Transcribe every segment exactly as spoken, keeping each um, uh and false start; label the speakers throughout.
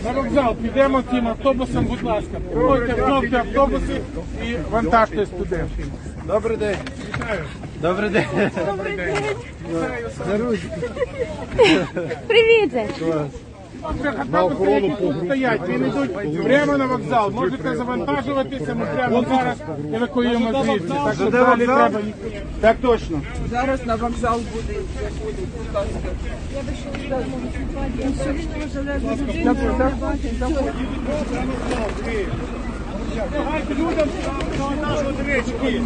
Speaker 1: На вокзал підемо тим автобусом, будь ласка. Проходьте кнопки автобуси і вантажте студентів.
Speaker 2: Добрий день.
Speaker 1: Вітаю.
Speaker 2: Добрий день.
Speaker 3: Добрий день.
Speaker 1: Вітаю.
Speaker 3: Привіт.
Speaker 1: Автобуси, які тут стоять, вони йдуть прямо на вокзал. Можете завантажуватися, ми прямо зараз евакуюємо звідси. Так що далі треба... Так точно.
Speaker 4: Зараз на вокзал буде.
Speaker 1: Давайте людям завантажувати речі.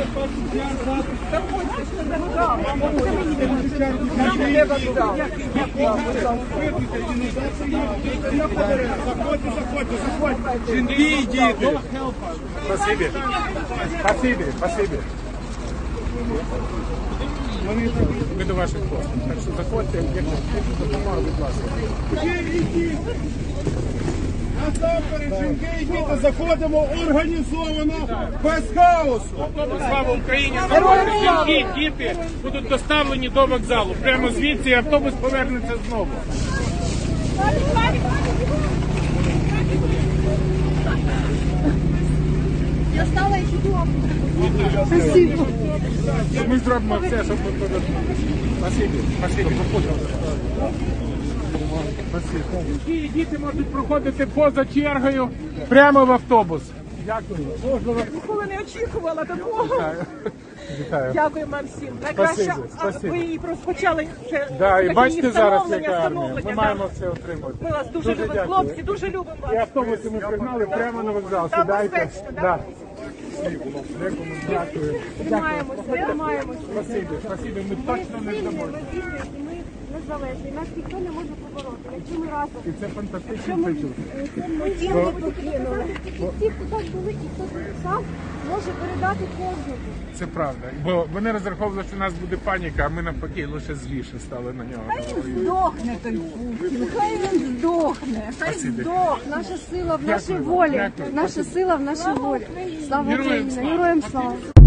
Speaker 1: Заходьте, заходьте, заходьте. Жінки, діти. Спасибі. Спасибі, спасибі. Ми до ваших послуг. Так що заходьте, якщо допомога, будь ласка. Насамперед, жінки і діти, заходимо організовано, без хаосу. Слава Україні! Жінки і діти будуть доставлені до вокзалу. Прямо звідси і автобус повернеться знову.
Speaker 3: Я стала і чудово.
Speaker 1: Спасибо. Ми зробимо все, щоб ми повернули. Спасибі, спасибі. Жінки і діти можуть проходити поза чергою прямо в автобус. Дякую.
Speaker 4: Ніколи не очікувала такого.
Speaker 1: Вітаю.
Speaker 4: Дякую вам всім. Найкраще,
Speaker 1: Спасибі, спасибі.
Speaker 4: ви її розпочали вже.
Speaker 1: Да, і
Speaker 4: такі
Speaker 1: бачите зараз,
Speaker 4: встановлення,
Speaker 1: яка армія. Ми
Speaker 4: встановлення,
Speaker 1: маємо
Speaker 4: да.
Speaker 1: все отримати.
Speaker 4: Ми вас дуже, любимо,
Speaker 1: дякую.
Speaker 4: хлопці, дуже любимо вас.
Speaker 1: І автобуси ми пригнали прямо на вокзал.
Speaker 4: Там
Speaker 1: Сідайте.
Speaker 4: безпечно,
Speaker 1: Да. Дякую.
Speaker 3: Тримаємося, тримаємося.
Speaker 1: Спасибі, спасибі. Ми точно не
Speaker 3: Ми
Speaker 1: здамо.
Speaker 3: вільні, ми незалежні. Нас ніхто не може побороти. Якщо ми разом.
Speaker 1: І це фантастичний почуття.
Speaker 3: Ми ті, хто покинули. Ті, хто так були і хто сам може передати кожному.
Speaker 1: Це правда. Бо вони розраховували, що у нас буде паніка, а ми навпаки лише зліше стали на нього.
Speaker 3: Здохне той Путін, хай він здохне, хай
Speaker 1: Спасибі.
Speaker 3: здох. Наша сила в нашій волі,
Speaker 1: Дякую.
Speaker 3: наша сила в нашій волі. Слава
Speaker 1: Героям
Speaker 3: Україні,
Speaker 1: слава.
Speaker 3: героям слава.